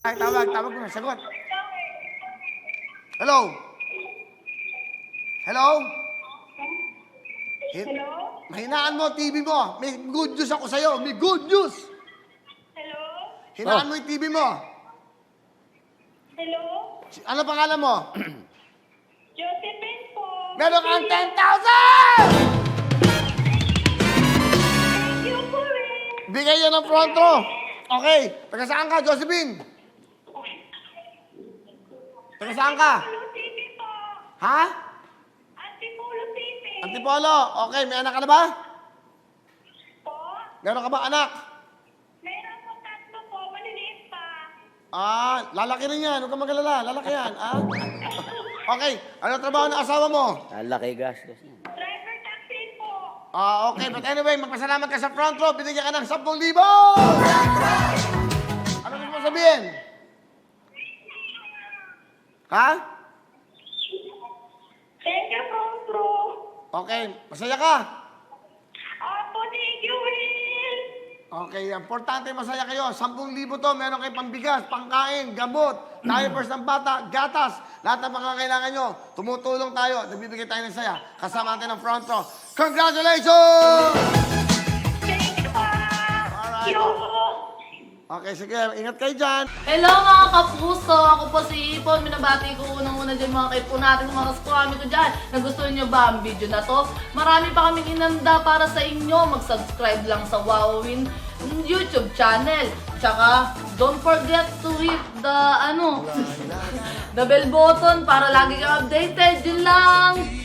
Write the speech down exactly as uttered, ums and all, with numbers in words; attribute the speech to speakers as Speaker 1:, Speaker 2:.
Speaker 1: Ay, tawag, tawag mo na, sagot. Hello? Hello? Hin-
Speaker 2: Hello?
Speaker 1: Mahinaan mo, T V mo. May good news ako sa'yo. May good news.
Speaker 2: Hello?
Speaker 1: Hinaan
Speaker 3: Oh.
Speaker 1: mo yung T V mo.
Speaker 2: Hello?
Speaker 1: Si- Ano pangalan mo?
Speaker 2: Josephine po.
Speaker 1: Meron kang ten thousand!
Speaker 2: Thank you po rin.
Speaker 1: Bigay yan ng front row. Okay. Taga saan ka, Josephine? Taga saan ka?
Speaker 2: Pulo City po.
Speaker 1: Ha?
Speaker 2: Antipulo City.
Speaker 1: Antipolo. Okay, may anak ka na ba?
Speaker 2: Po?
Speaker 1: Meron ka ba anak?
Speaker 2: Meron po tatlo po. Maliliit pa.
Speaker 1: Ah, lalaki rin yan. Huwag kang magalala. Lalaki yan. Ah? Okay. Ano trabaho ng asawa mo?
Speaker 3: Laki gastos niya.
Speaker 2: Driver taxi po.
Speaker 1: Ah, okay. But anyway, magpasalamat ka sa front row. Binigyan ka ng ten thousand. Ano gusto mo sabihin? Ha?
Speaker 2: Thank you, front row.
Speaker 1: Okay. Masaya ka?
Speaker 2: Opo, thank you, Will.
Speaker 1: Okay. Importante masaya kayo. ten thousand to. Meron kayo pambigas, pangkain, gamot, diapers ng bata, gatas. Lahat ng mga kailangan nyo. Tumutulong tayo. Nagbibigay tayo ng saya. Kasama natin ang front row. Congratulations!
Speaker 2: Thank you po.
Speaker 1: Alright.
Speaker 2: Thank you.
Speaker 1: Okay, sige. Ingat kayo dyan.
Speaker 4: Hello mga kapuso! Ako po si Ipon. Minabati ko unang-una dyan mga kaipo natin, mga kaskwami ko dyan. Nagustuhan nyo ba ang video na to? Marami pa kaming inanda para sa inyo. Mag-subscribe lang sa Wowin YouTube channel. Tsaka, don't forget to hit the, ano, the bell button para lagi kang updated. Yun lang!